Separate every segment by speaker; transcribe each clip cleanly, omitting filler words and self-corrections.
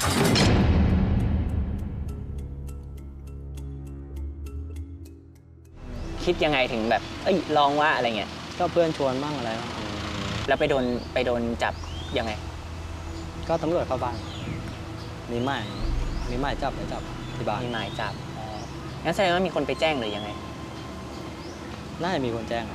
Speaker 1: คิดยังไงถึงแบบลองว่าอะไรเงี้ย
Speaker 2: ก็เพื่อนชวนบ้างอะไรบ้าง
Speaker 1: แล้วไปโดนจับยังไง
Speaker 2: ก็ตำรวจเข้าบ้านมีหมายจับไปจับที่บ้าน
Speaker 1: มีหมายจับงั้นแสดงว่ามีคนไปแจ้งหรือยังไง
Speaker 2: น่าจะมีคนแจ้ง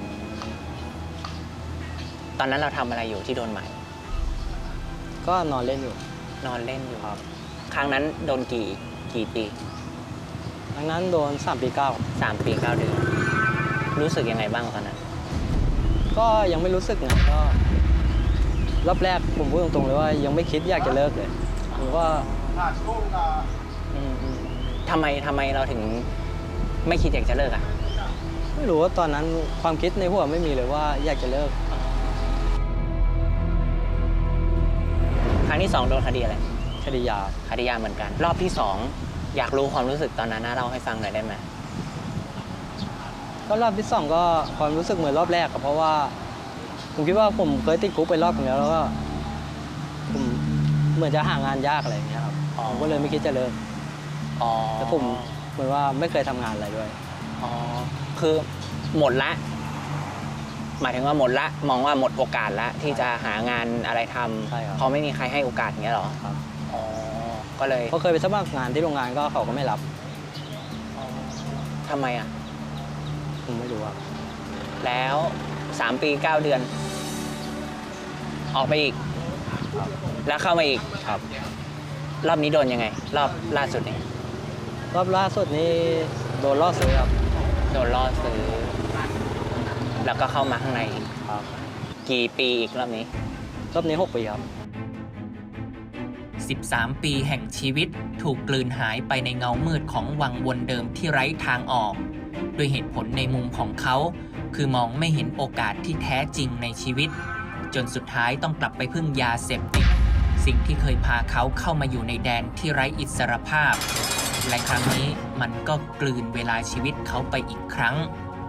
Speaker 1: ตอนนั้นเราทำอะไรอยู่ที่โดนหมาย
Speaker 2: ก็นอนเล่นอยู่
Speaker 1: ครับครั้งนั้นโดนกี่ปี
Speaker 2: ครั้งนั้นโดน3 ปี
Speaker 1: 3 ปี 9 เดือนรู้สึกยังไงบ้างตอนนั้น
Speaker 2: ก็ยังไม่รู้สึกนะก็รอบแรกผมพูดตรงๆเลยว่ายังไม่คิดอยากจะเลิกเลยผมว่า
Speaker 1: ทำไมเราถึงไม่คิดอยากจะเลิกอ่ะ
Speaker 2: ไม่รู้ว่าตอนนั้นความคิดในหัวไม่มีเลยว่าอยากจะเลิก
Speaker 1: ครั้งที่2โดนคดีอะไร
Speaker 2: คดียา
Speaker 1: เหมือนกันรอบที่2อยากรู้ความรู้สึกตอนนั้นนะเล่าให้ฟังหน่อยได้ไหม
Speaker 2: ก็รอบที่2ก็ความรู้สึกเหมือนรอบแรกเพราะว่าผมคิดว่าผมเคยติดคุกไปรอบนึงแล้วก็ผมเหมือนจะหางานยากอะไรอย่างเงี้ยครับผมก็เลยไม่คิดจะเลิกแต่ผมเหมือนว่าไม่เคยทำงานอะไรด้วย
Speaker 1: คือหมดละหมายถึงว่าหมดละมองว่าหมดโอกาสละที่จะหางานอะไรทำเพราะไม่มีใครให้โอกาสอย่างเงี้ยหรอ
Speaker 2: ครับ
Speaker 1: ก็เลย
Speaker 2: เขาเคยไปสมัครงานที่โรงงานก็เขาก็ไม่รับ
Speaker 1: ทำไมอ่ะ
Speaker 2: ผมไม่รู้ครับ
Speaker 1: แล้ว3 ปี 9 เดือนออกไปอีกแล้วเข้ามาอีก
Speaker 2: ครับ
Speaker 1: รอบนี้โดนยังไงรอบล่าสุดนี่
Speaker 2: รอบล่าสุดนี้โดนล่อซื้อครับ
Speaker 1: โดนล่อซื้อแล้วก็เข้ามาข้างใน
Speaker 2: ครับ
Speaker 1: กี่ปีอีกรอบนี้
Speaker 2: 6 ปีครับ
Speaker 3: 13 ปีแห่งชีวิตถูกกลืนหายไปในเงามืดของวังวนเดิมที่ไร้ทางออกด้วยเหตุผลในมุมของเขาคือมองไม่เห็นโอกาสที่แท้จริงในชีวิตจนสุดท้ายต้องกลับไปพึ่งยาเสพติดสิ่งที่เคยพาเขาเข้ามาอยู่ในแดนที่ไร้อิสรภาพและครั้งนี้มันก็กลืนเวลาชีวิตเขาไปอีกครั้ง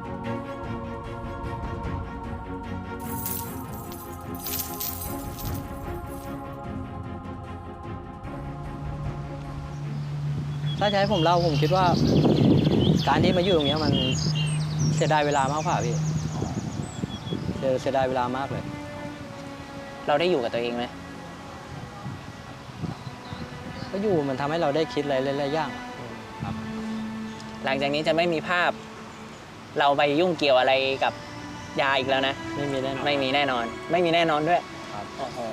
Speaker 2: ถ้าจะให้ผมเล่าผมคิดว่าการที่มาอยู่ตรงนี้มันเสียดายเวลามากกว่าพี่เสียดายเวลามากเลย
Speaker 1: เราได้อยู่กับตัวเองไหม
Speaker 2: ก็อยู่มันทำให้เราได้คิดอะไรหลายๆอย่างครับ
Speaker 1: หลังจากนี้จะไม่มีภาพเราไปยุ่งเกี่ยวอะไรกับยาอีกแล้วนะ
Speaker 2: ไม่มีแน่นอน
Speaker 1: ด้วย
Speaker 2: ครับ
Speaker 1: โอ้โห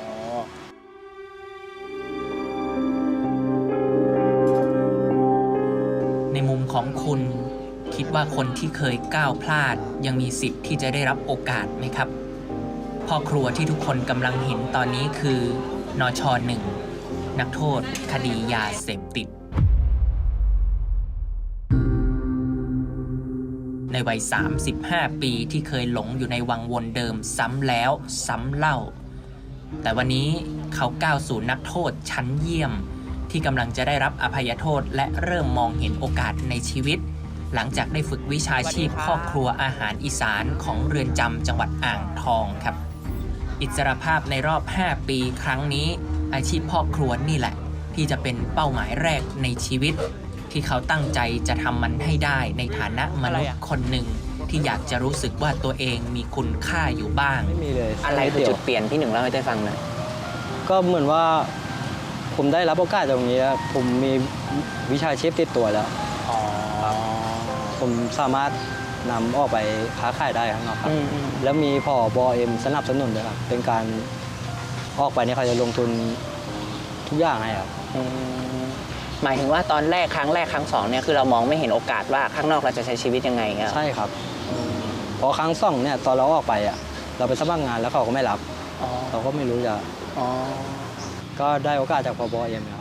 Speaker 3: ในมุมของคุณคิดว่าคนที่เคยก้าวพลาดยังมีสิทธิ์ที่จะได้รับโอกาสไหมครับพ่อครัวที่ทุกคนกำลังเห็นตอนนี้คือนช.1 นักโทษคดียาเสพติดในวัย35 ปีที่เคยหลงอยู่ในวังวนเดิมซ้ำแล้วซ้ำเล่าแต่วันนี้เขาก้าวสู่นักโทษชั้นเยี่ยมที่กำลังจะได้รับอภัยโทษและเริ่มมองเห็นโอกาสในชีวิตหลังจากได้ฝึกวิชาชีพพ่อครัวอาหารอีสานของเรือนจำจังหวัดอ่างทองครับอิสรภาพในรอบ5 ปีครั้งนี้อาชีพพ่อครัวนี่แหละที่จะเป็นเป้าหมายแรกในชีวิตที่เขาตั้งใจจะทำมันให้ได้ในฐานะมนุษย์คนหนึ่งที่อยากจะรู้สึกว่าตัวเองมีคุณค่าอยู่บ้าง
Speaker 2: ไม่มีเลย
Speaker 1: อะไรคือจุดเปลี่ยนพี่หนึ่งเล่าให้ได้ฟังหน่อย
Speaker 2: ก็เหมือนว่าผมได้รับโอกาสตรงนี้แล้วผมมีวิชาชีพติดตัวแล้วผมสามารถนำออกไปค้าขายได้ข้างนอกครับแล้วมีผบ.สนับสนุนด้วยครับเป็นการออกไปเนี่ยเขาจะลงทุนทุกอย่างให้ครับ
Speaker 1: หมายถึงว่าตอนแรกครั้งแรกครั้ง2เนี่ยคือเรามองไม่เห็นโอกาสว่าข้างนอกเราจะใช้ชีวิตยังไงเงี้ย
Speaker 2: ใช่ครับพอครั้ง2เนี่ยตอนเราออกไปเราไปสมัครงานแล้วเขาก็ไม่รับเราก็ไม่รู้จะก็ได้โอกาสจากผบ.ครับ